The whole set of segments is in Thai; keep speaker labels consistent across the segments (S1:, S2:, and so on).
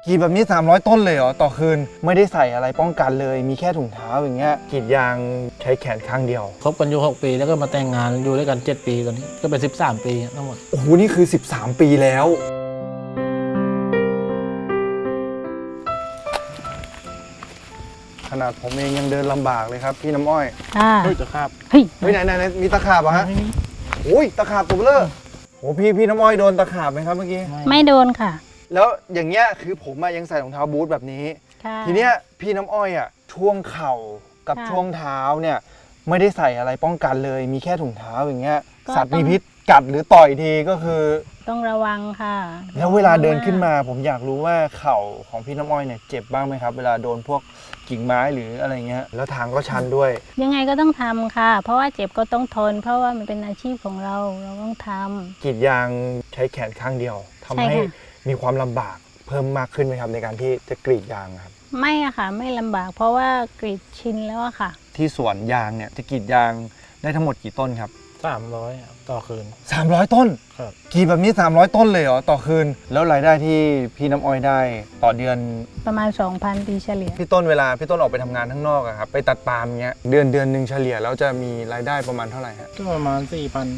S1: กรีดแบบนี้300ต้นเลยเหรอต่อคืนไม่ได้ใส่อะไรป้องกันเลยมีแค่ถุงเท้าอย่างเงี้ยกรีดยางใช้แขนข้างเดียว
S2: คบกันอยู่6 ปีแล้วก็มาแต่งงานอยู่ด้วยกัน7 ปีตอนนี้ก็เป็น13 ปีทั้งหมด
S1: โอ้โหนี่คือ13ปีแล้วขนาดผมเองยังเดินลำบากเลยครับพี่น้ำอ้อย
S2: เฮ้ยตะขาบ
S1: เฮ้ยไหนมีตะขาบเหรอฮะโอ้ยตะขาบตัวเบลอโอ้พี่น้ำอ้อยโดนตะขาบไหมครับเมื่อกี้
S3: ไม่โดนค่ะ
S1: แล้วอย่างเงี้ยคือผมยังใส่รองเท้าบูทแบบนี้ทีเนี้ยพี่น้ำอ้อยอ่ะช่วงเข่ากับช่วงเท้าเนี่ยไม่ได้ใส่อะไรป้องกันเลยมีแค่ถุงเท้าอย่างเงี้ยสัตว์มีพิษกัดหรือต่อยทีก็คือ
S3: ต้องระวังค่ะ
S1: แล้วเวลาเดินขึ้นมาผมอยากรู้ว่าเข่าของพี่น้ำอ้อยเนี่ยเจ็บบ้างไหมครับเวลาโดนพวกกิ่งไม้หรืออะไรเงี้ยแล้วทางก็ชันด้วย
S3: ยังไงก็ต้องทำค่ะเพราะว่าเจ็บก็ต้องทนเพราะว่ามันเป็นอาชีพของเราต้องทำ
S1: กรีดยางใช้แขนข้างเดียวทำให้มีความลำบากเพิ่มมากขึ้นไหมครับในการที่จะกรีดยางครับ
S3: ไม่อะค่ะไม่ลำบากเพราะว่ากรีดชินแล้วอะค่ะ
S1: ที่สวนยางเนี่ยจะกรีดยางได้ทั้งหมดกี่ต้นครับ
S2: 300ต่อคืน
S1: 300ต้น
S2: ครับ
S1: กรีดแบบนี้300ต้นเลยเหรอต่อคืนแล้วรายได้ที่พี่น้ำอ้อยได้ต่อเดือน
S3: ประมาณ 2,000 ปีเฉลี่ย
S1: พี่ต้นเวลาพี่ต้นออกไปทำงานข้างนอกอะครับไปตัดปาล์มเงี้ยเดือนหนึ่งเฉลี่ยแล้วจะมีรายได้ประมาณเท่าไหร่ฮะ
S2: ก็ประมาณ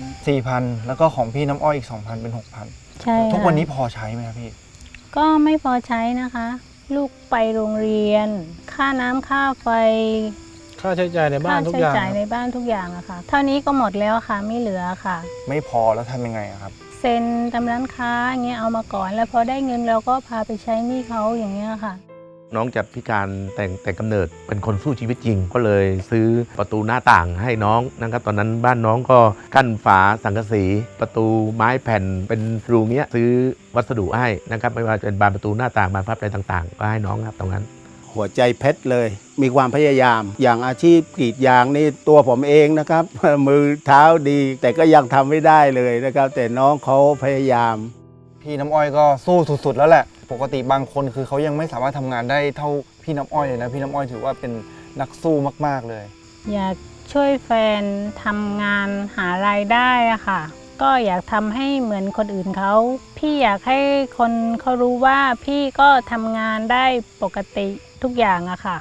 S1: 4,000แล้วก็ของพี่น้ำอ้อยอีก 2,000 เป็น 6,000
S3: ใช่
S1: ทุกวันนี้พอใช้ไหมครับพี่
S3: ก็ไม่พอใช้นะคะลูกไปโรงเรียนค่าน้ำค่าไฟ
S2: ค่าใช้จ่ายในบ้านทุกอย่าง
S3: ค่าใช้จ่ายในบ้านทุกอย่างอะค่ะเท่านี้ก็หมดแล้วค่ะไม่เหลือค่ะ
S1: ไม่พอแล้วทำยังไงครับ
S3: เซ็นตามร้านค้าอย่างเงี้ยเอามาก่อนแล้วพอได้เงินเราก็พาไปใช้หนี้เขาอย่างเงี้ยค่ะ
S4: น้องจะพิการแต่กำเนิดเป็นคนสู้ชีวิตจริงก็เลยซื้อประตูหน้าต่างให้น้องนะครับตอนนั้นบ้านน้องก็กั้นฝาสังกะสีประตูไม้แผ่นเป็นรูเนี้ยซื้อวัสดุให้นะครับไม่ว่าจะเป็นบานประตูหน้าต่างบานพับอะไรต่างๆก็ให้น้องครับตรงนั้น
S5: หัวใจเพชรเลยมีความพยายามอย่างอาชีพกรีดยางนี่ตัวผมเองนะครับ มือเท้าดีแต่ก็ยังทำไม่ได้เลยนะครับแต่น้องเขาพยายาม
S1: พี่น้ำอ้อยก็สู้สุดๆแล้วแหละปกติบางคนคือเขายังไม่สามารถทำงานได้เท่าพี่น้ำอ้อยเลยนะพี่น้ำอ้อยถือว่าเป็นนักสู้มากๆเลย
S3: อยากช่วยแฟนทำงานหารายได้อะค่ะก็อยากทำให้เหมือนคนอื่นเขาพี่อยากให้คนเขารู้ว่าพี่ก็ทำงานได้ปกติทุกอย่างอะค่ะ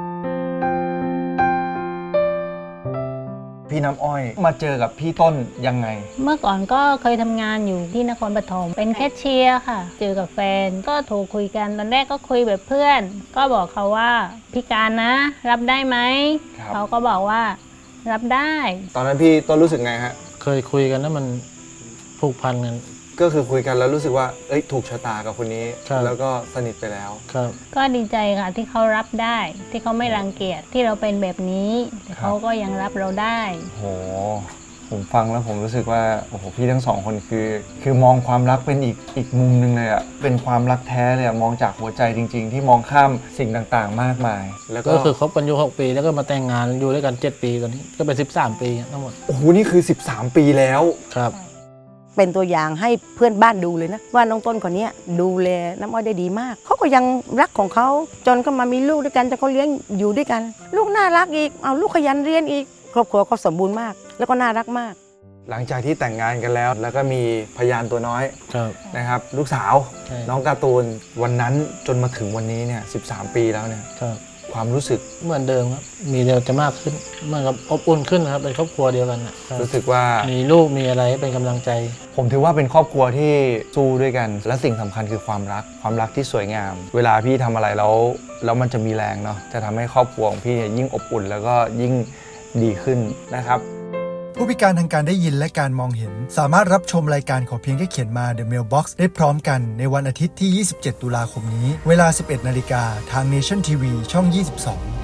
S1: พี่น้ำอ้อยมาเจอกับพี่ต้นยังไง
S3: เมื่อก่อนก็เคยทำงานอยู่ที่นครปฐมเป็นแคชเชียร์ค่ะเจอกับแฟนก็โทรคุยกันตอนแรกก็คุยแบบเพื่อนก็บอกเขาว่าพิการนะรับได้ไหมเขาก็บอกว่ารับได้
S1: ตอนนั้นพี่ต้นรู้สึกไงฮะ
S2: เคยคุยกันแล้วมันผูกพันกัน
S1: ก็คือคุยกันแล้วรู้สึกว่าถูกชะตากับคนนี้แล้วก็สนิทไปแล้ว
S2: ครับ
S3: ก็ดีใจค่ะที่เขารับได้ที่เขาไม่รังเกียจที่เราเป็นแบบนี้แต่เขาก็ยังรับเราได้
S1: โหผมฟังแล้วผมรู้สึกว่าโอ้โหพี่ทั้งสองคนคือมองความรักเป็นอีกมุมนึงเลยอะเป็นความรักแท้เลยอะมองจากหัวใจจริงๆที่มองข้ามสิ่งต่างๆมากมาย
S2: แล้วก็คือคบกันอยู่6 ปีแล้วก็มาแต่งงานอยู่ด้วยกัน7 ปีตอนนี้ก็เป็น13 ปีทั้งหมด
S1: โอ้โหนี่คือ13ปีแล้ว
S2: ครับ
S6: เป็นตัวอย่างให้เพื่อนบ้านดูเลยนะว่าน้องต้นคนนี้ดูแลน้ำอ้อยได้ดีมากเขาก็ยังรักของเขาจนก็มามีลูกด้วยกันจนเขาเลี้ยงอยู่ด้วยกันลูกน่ารักอีกเอาลูกขยันเรียนอีกครอบครัวเขาสมบูรณ์มากแล้วก็น่ารักมาก
S1: หลังจากที่แต่งงานกันแล้วก็มีพยานตัวน้อยนะครับลูกสาวน้องการ์ตูนวันนั้นจนมาถึงวันนี้เนี่ย13 ปีแล้วเนี่ยความรู้สึก
S2: เหมือนเดิมครับมีเดียวจะมากขึ้นเหมือนกับอบอุ่นขึ้นครับเป็นครอบครัวเดียวกัน
S1: รู้สึกว่า
S2: มีลูกมีอะไรเป็นกำลังใจ
S1: ผมถือว่าเป็นครอบครัวที่สู้ด้วยกันและสิ่งสำคัญคือความรักที่สวยงามเวลาพี่ทำอะไรแล้วมันจะมีแรงเนาะจะทำให้ครอบครัวของพี่ยิ่งอบอุ่นแล้วก็ยิ่งดีขึ้นนะครับ
S7: ผู้พิการทางการได้ยินและการมองเห็นสามารถรับชมรายการขอเพียงแค่เขียนมา The Mailbox ได้พร้อมกันในวันอาทิตย์ที่ 27 ตุลาคมนี้เวลา 11 นาฬิกาทาง Nation TV ช่อง 22